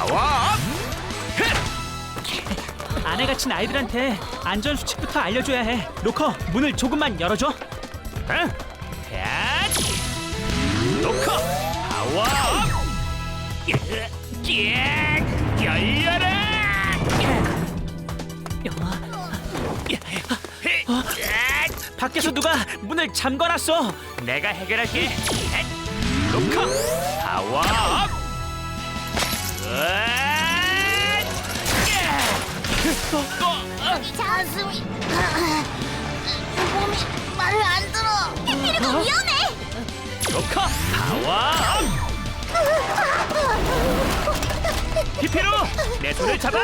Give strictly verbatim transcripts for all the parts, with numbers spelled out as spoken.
파워업! 아내 갇힌 아이들한테 안전 수칙부터 알려줘야 해. 로커, 문을 조금만 열어줘. 응? 야! 로커! 파워업! 열려라! 밖에서 누가 문을 잠궈놨어. 내가 해결할게. 로커! 파워업! 가슴이 몸이 말을 안 들어. 해피리가 위험해. 로커! 파워업! 히피로! 내 손을 잡아!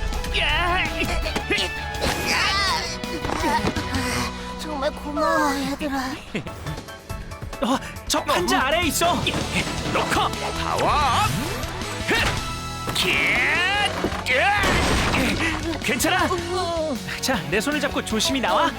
정말 고마워 얘들아. 어, 저 판자 아래에 있어. 로커! 파워업! 괜찮아? 자, 내 손을 잡고 조심히 나와.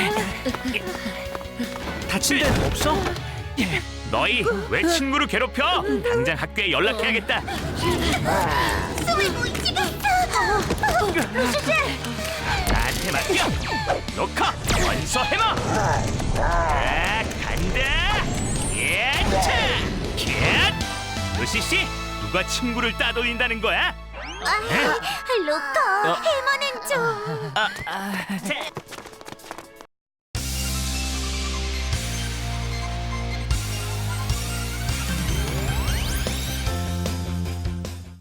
다친 데는 없어? 너희 왜 친구를 괴롭혀? 당장 학교에 연락해야겠다. 숨을 못 쉬겠어. 주제. 나한테 맡겨. 로커 원서 해머. 아, 간다. 예, 차. 캣. 루시 씨, 누가 친구를 따돌린다는 거야? 아, 로커, 해머는 좀. 아, 아, 자,